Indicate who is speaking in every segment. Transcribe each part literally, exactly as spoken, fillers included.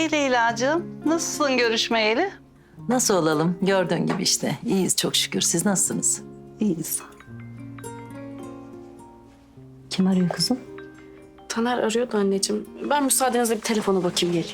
Speaker 1: Ee Leyla'cığım, nasılsın görüşmeyeli?
Speaker 2: Nasıl olalım? Gördüğün gibi işte. İyiyiz çok şükür. Siz nasılsınız?
Speaker 1: İyiyiz.
Speaker 2: Kim arıyor kızım?
Speaker 3: Taner arıyordu anneciğim. Ben müsaadenizle bir telefona bakayım geleyim.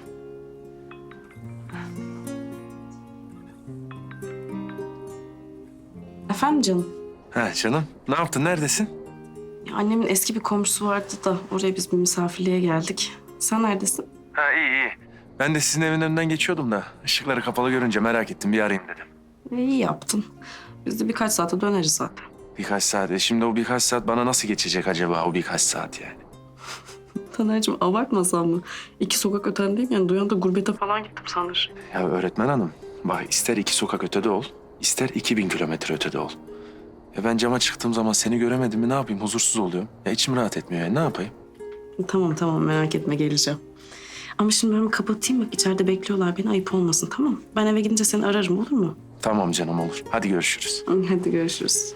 Speaker 3: Efendim canım?
Speaker 4: Ha canım, ne yaptın? Neredesin?
Speaker 3: Ya annemin eski bir komşusu vardı da oraya biz bir misafirliğe geldik. Sen neredesin?
Speaker 4: Ha iyi iyi. Ben de sizin evin önünden geçiyordum da ışıkları kapalı görünce merak ettim, bir arayayım dedim.
Speaker 3: E, iyi yaptın. Biz de birkaç saate döneriz zaten.
Speaker 4: Birkaç saat. E şimdi o birkaç saat bana nasıl geçecek acaba, o birkaç saat yani?
Speaker 3: Taner'cim abartmasan mı? İki sokak ötendeyim yani duyan da gurbete falan gittim sanır.
Speaker 4: Ya öğretmen hanım, bak ister iki sokak ötede ol, ister iki bin kilometre ötede ol. Ya ben cama çıktığım zaman seni göremedim mi ne yapayım, huzursuz oluyorum. Ya içim rahat etmiyor yani, ne yapayım?
Speaker 3: Tamam tamam merak etme geleceğim. Ama şimdi ben bir kapatayım bak içeride bekliyorlar beni ayıp olmasın tamam mı? Ben eve gidince seni ararım olur mu?
Speaker 4: Tamam canım, olur. Hadi görüşürüz.
Speaker 3: Hadi görüşürüz.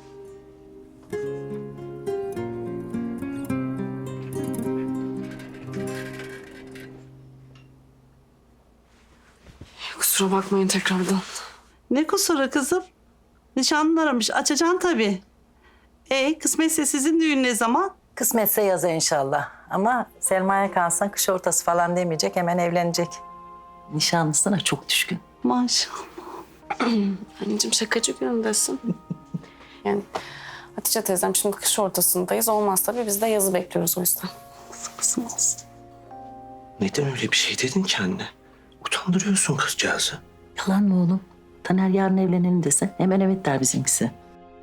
Speaker 3: Kusura bakmayın tekrardan.
Speaker 1: Ne kusuru kızım? Nişanlın aramış, açacaksın tabii. E kısmetse sizin düğün ne zaman?
Speaker 2: Kısmetse yaza inşallah. Ama Selma'ya kalsan kış ortası falan demeyecek. Hemen evlenecek. Nişanlısına çok düşkün.
Speaker 1: Maşallah.
Speaker 3: Anneciğim şakacı günündesin. Yani Hatice teyzem şimdi kış ortasındayız. Olmaz tabii biz de yazı bekliyoruz o yüzden.
Speaker 1: Kızım olsun.
Speaker 5: Neden öyle bir şey dedin ki anne? Utandırıyorsun kızcağızı.
Speaker 2: Yalan mı oğlum? Taner yarın evlenelim dese hemen evet der bizimkisi.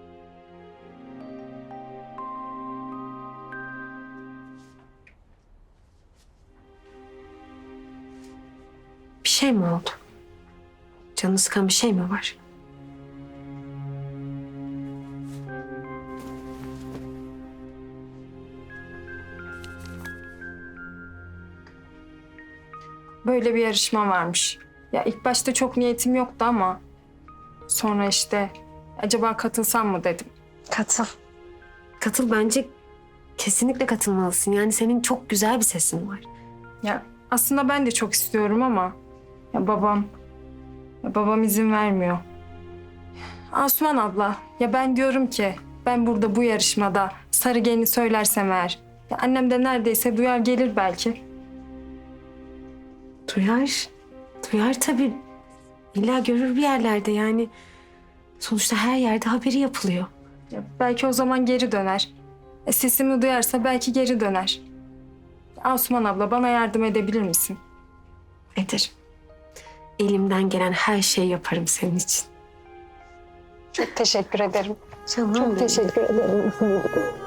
Speaker 6: Bir şey mi oldu? Canını sıkan bir şey mi var?
Speaker 7: Böyle bir yarışma varmış. Ya ilk başta çok niyetim yoktu ama sonra işte acaba katılsam mı dedim.
Speaker 6: Katıl. Katıl bence kesinlikle katılmalısın. Yani senin çok güzel bir sesin var.
Speaker 7: Ya aslında ben de çok istiyorum ama ya babam ya babam izin vermiyor. Asuman abla ya ben diyorum ki ben burada bu yarışmada sarı gelini söylersem eğer ya annem de neredeyse duyar gelir belki.
Speaker 6: Duyar. Duyar tabii. İlla görür bir yerlerde yani. Sonuçta her yerde haberi yapılıyor.
Speaker 7: Ya belki o zaman geri döner. E, sesimi duyarsa belki geri döner. Asuman abla bana yardım edebilir misin?
Speaker 6: Ederim. Elimden gelen her şeyi yaparım senin için.
Speaker 7: Çok teşekkür ederim.
Speaker 6: Canım Çok teşekkür ederim.